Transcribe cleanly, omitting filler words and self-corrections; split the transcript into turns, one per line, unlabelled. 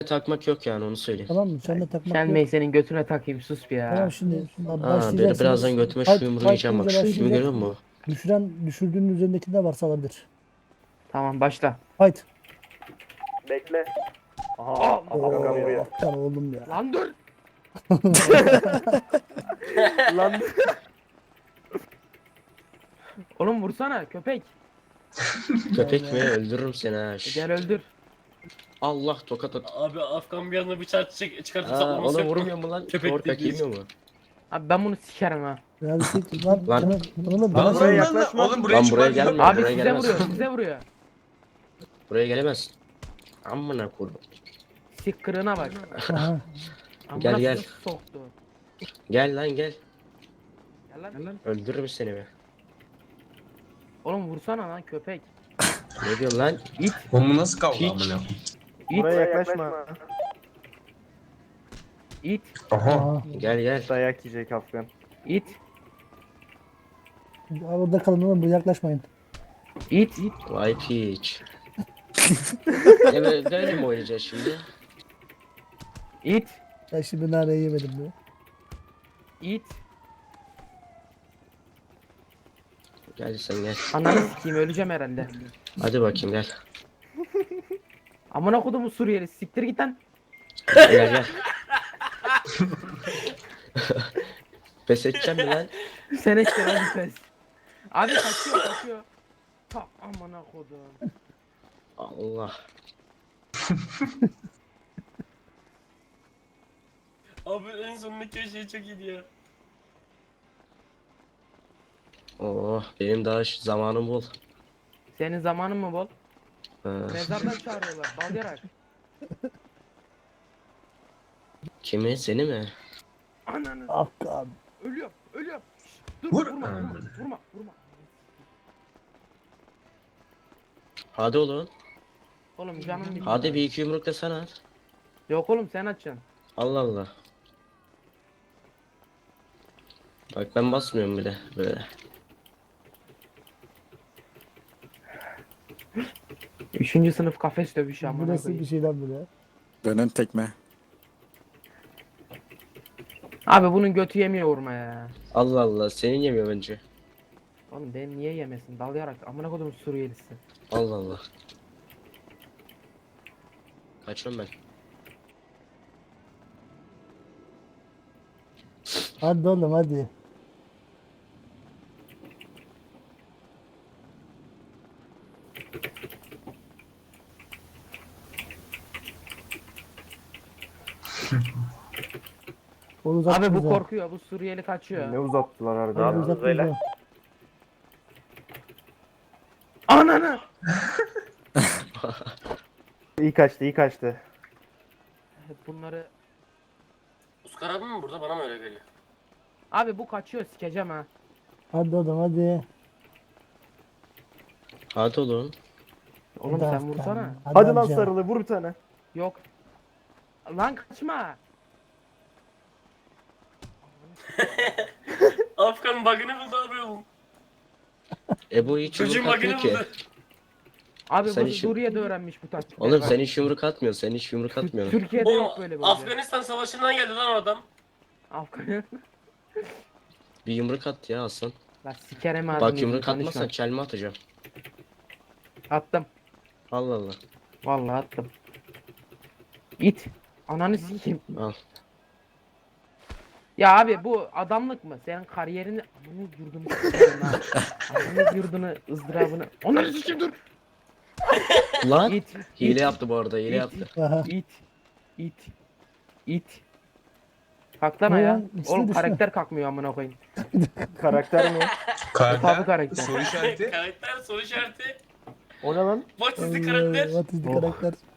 takmak yok yani onu söyleyeyim.
Tamam mı? Seninle takmak
Sen
yok.
Bey götüne takayım sus bir ya.
Tamam şimdi
Aa,
başlayacaksınız.
birazdan götüme şu yumruğu yiyeceğim bak. Şu filmi görüyor musun?
Düşürdüğünün üzerindeki ne varsa alabilir.
Tamam başla.
Fight.
Bekle. Aha.
Allah.
Afgan buraya.
Aptal oğlum ya.
Lan dur.
Lan.
Oğlum vursana köpek.
Köpek mi? Öldürürüm seni ha.
Gel öldür.
Allah tokat at.
Abi Afgan bir anda bıçağı çıkartırsa
Aa,
olması
ona
yok.
vurmuyor mu lan?
Köpek
Ortak
dediğin.
yemiyor mu?
Abi ben bunu sikerim ha.
Yani lan
Lan.
oğlum
Lan
buraya yaklaşma.
Oğlum
Lan buraya
çıkma.
gelme.
Abi
buraya
size
gelemez.
vuruyor size vuruyor.
Buraya gelemez. Amına koydum.
Sik kırığına bak.
Aha.
Amına
Gel.
soktu.
Gel lan gel.
Gel lan.
Öldürürüm seni be.
Oğlum vursana lan köpek.
Ne diyorsun lan?
İt.
Bu nasıl kavga
Hiç.
amına?
İt.
Buraya yaklaşma.
İt.
Aha.
Aha.
Gel.
Dayak yiyecek Afgan.
İt.
Orada kalın oğlum, buraya yaklaşmayın.
İt.
Vay piç. Böyle mi oynayacağız şimdi?
İt.
Ben şimdi nareyi yemedim diyor.
İt.
Gel sen gel.
Ananı sikeyim öleceğim herhalde.
Hadi bakayım gel.
Amına kodumu Suriyeli siktir git lan.
Gel. Pes edeceğim mi lan?
Sen ettin hadi pes. Abi kaçıyor. Ta amına kodum.
Allah.
Abi en sondaki şey çok iyiydi ya.
Oh benim daha zamanım bol.
Senin zamanın mı bol?
Ha.
Mezardan çağırıyorlar. Balyarak.
Kimi? Seni mi?
Ananı.
Afgan.
Ölüyorum. Şşt, dur
Vur.
vurma.
Hadi oğlum.
Oğlum canım bitti.
Hadi bir iki yumruk da sen at.
Yok oğlum sen açacaksın.
Allah Allah. Bak ben basmıyorum bile böyle.
Üçüncü sınıf kafes dövüşü
Bu
amına
nasıl bir
koyayım.
şey lan bu ya?
Dönen tekme.
Abi bunun götü yemiyor vurma ya.
Allah Allah senin yemiyor bence.
Oğlum benim niye yemesin? Dalyarak amına kodum Suriyelisi.
Allah Allah. Kaçıyorum ben.
Hadi oğlum hadi. Onu
Abi
uzattınız
bu
ha.
korkuyor. Bu Suriyeli kaçıyor.
Ne uzattılar
Onu
harbiden.
uzattınız ha.
Ananı.
İyi kaçtı.
Bunları
Uskar abi mi burada bana mı öyle geliyor?
abi bu kaçıyor sikeceğim ha.
Hadi oğlum hadi.
Hadi oğlum.
Oğlum
Hadi
sen
Afgan.
vursana.
Hadi lan
amca.
sarılı vur bir tane.
Yok. Lan kaçma.
Afgan bug'ını buldu abi oğlum.
Bu hiç
Çocuğun
yumruk
bug'ını
atmıyor ki.
buldu.
Abi
Sen
bu
işin-
Suriye'de öğrenmiş bu taktikleri.
Oğlum
bak.
sen hiç yumruk atmıyorsun. Sen hiç yumruk atmıyorsun.
Türkiye'de
Oğlum
yok böyle bir
Afganistan savaşından geldi lan o adam.
Afgan.
Bir yumruk at ya Aslan.
La sikerim ağzını.
Bak yumruk
konuşma.
atmazsan çelme atacağım.
Attım.
Allah Allah.
Vallahi attım. İt. Ananı sikeyim.
Al.
Ya abi bu adamlık mı? Senin kariyerini amını yurdunu sikerim ha. Amını yurdunu ızdırabını. Onları sikeyim dur.
Lan.
İt.
Hile
it,
yaptı bu arada. Hile
it,
yaptı.
Aha.
İt. Kalk lan
Ne
ayağa.
lan? İkisi
Oğlum
düşme.
karakter kalkmıyor amına koyayım.
Karakter mi?
Tabi karakter.
Soru işareti. Karakter soru işareti.
O ne lan?
What is the
Allah,
karakter?
what is the
Oh.
karakter?